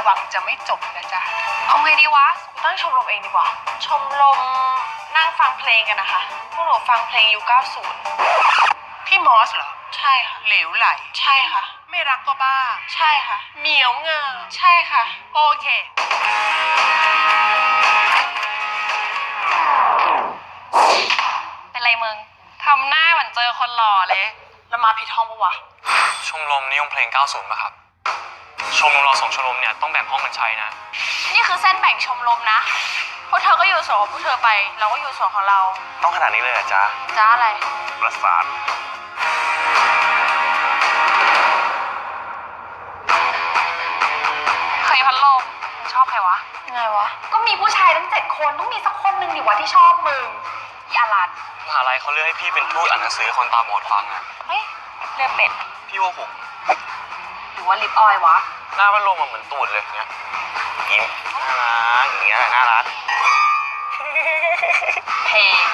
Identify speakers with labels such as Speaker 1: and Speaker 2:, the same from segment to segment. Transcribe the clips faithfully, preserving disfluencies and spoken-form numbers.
Speaker 1: วังจะไม่จบนะจ๊ะ
Speaker 2: เอาไงดีวะตั้งชมรมเองดีกว่าชมรมนั่งฟังเพลงกันนะคะพวกหนูฟังเพลงยุคเก้าสิบ
Speaker 1: พี่มอสเหรอ
Speaker 2: ใช่ค่ะ
Speaker 1: เหลวไหล
Speaker 2: ใช่ค่ะ
Speaker 1: ไม่รักก็บ้า
Speaker 2: ใช่ค่ะ
Speaker 1: เหมียวเงอ
Speaker 2: ใช่ค่ะ
Speaker 1: โอเค
Speaker 2: เป็นไรมึงทำหน้าเหมือนเจอคนหล่อเลยแล้วมาผิดห้องปะวะ
Speaker 3: ชมรมนิยมเพลงเก้าสิบป่ะครับชมรมเราสองชมรมเนี่ยต้องแบ่งห้องกันใช้นะ
Speaker 2: นี่คือเส้นแบ่งชมรมนะพวกเธอก็อยู่ส่วนของพวกเธอไปเราก็อยู่ส่วนของเรา
Speaker 3: ต้องขนาดนี้เลยเหรอจ๊ะ
Speaker 2: จ้าอะไร
Speaker 3: ประสาท
Speaker 2: เคยพัดลมชอบใครวะไงวะก็มีผู้ชายทั้งเจ็ดคนต้องมีสักคนหนึ่งดิวะที่ชอบมึงอีอารัน
Speaker 3: มหาลัยเขาเลือกให้พี่เป็นทูตอ่านหนังสือคนตาบอดฟังอะ
Speaker 2: เฮ้ยเลือกเป็ด
Speaker 3: พี่ว่าผม
Speaker 2: หรือว่าลิปออยวะ
Speaker 3: หน้าพัดลมมันเหมือนตูดเลยเนี้ยยิ้มน่ารักอย่างเงี้ยน่ารัก
Speaker 2: เพลง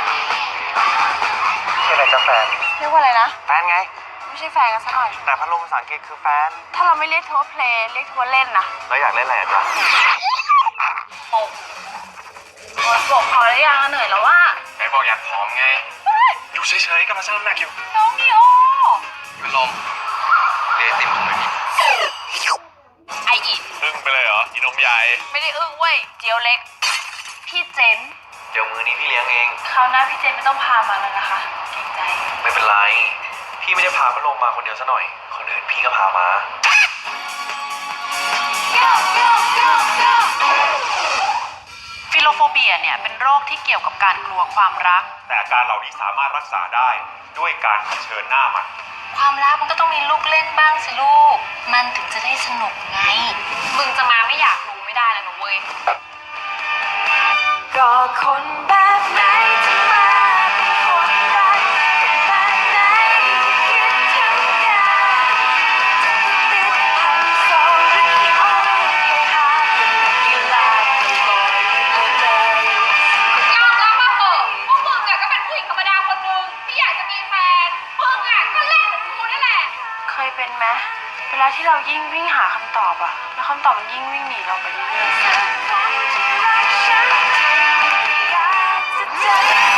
Speaker 3: ชื่ออะไรจ๊ะแฟน
Speaker 2: เรียกว่าอะไรนะ
Speaker 3: แฟนไง
Speaker 2: ไม่ใช่แฟนกันซะหน่อย
Speaker 3: แต่พัดลมภาษาอังกฤษคือแฟน
Speaker 2: ถ้าเราไม่เรียกเธอว่าเพลงเรียกเธอว่าเล่นนะ
Speaker 3: แล้วอยากเล่นอะไรอ่ะจ๊ะ
Speaker 2: โอ้โหบอกพอแล้วยังเหนื่อยแล้วว่า
Speaker 3: ไหนบอกอยากผอมไงอยู่เฉยๆก็มาสร้างน้ำหนักอยู่
Speaker 2: น้องนีโอ
Speaker 3: พัดลมเรียนติมผมไม่มี
Speaker 2: ไออี
Speaker 3: อึ้งไปเลยเหรออีนมใหญ่
Speaker 2: ไม่ได้อึ้งเว้ยเจียวเล็กพี่เจน
Speaker 3: เดี๋ยวมือนี้พี่เลี้ยงเอง
Speaker 2: คราวหน้าพี่เจนไม่ต้องพามาแล้วนะคะเกรงใจ
Speaker 3: ไม่เป็นไรพี่ไม่ได้พาพัดลมมาคนเดียวซะหน่อยคนอื่นพี่ก็พามา
Speaker 2: ฟิโลโฟเบียเนี่ยเป็นโรคที่เกี่ยวกับการกลัวความรัก
Speaker 3: แต่อาการเหล่านี้สามารถรักษาได้ด้วยการเผชิญหน้ามัน
Speaker 2: ความรักมันก็ต้องมีลูกเล่นบ้างสิลูกมันถึงจะได้สนุกไงมึงจะมาไม่อยากรู้ไม่ได้แล้วนะเว้ยก็คนแบบไหนจะมาเป็นคนรักคนแบบไหนที่คิดถึงกันจะติดไฮโซหรือขี้อ้อนให้หาเป็นนักกีฬาตลอดเลยยอมรับมาเถอะพวกมึงอะก็เป็นผู้หญิงธรรมดาคนนึงที่อยากจะมีแฟนมึงอะก็เล่นเหมือนกูนั่นแหละเคยเป็นไหมเวลาที่เรายิ่งวิ่งหาคำตอบอะแล้วคำตอบมันยิ่งวิ่งหนีเราไปเรื่อยๆ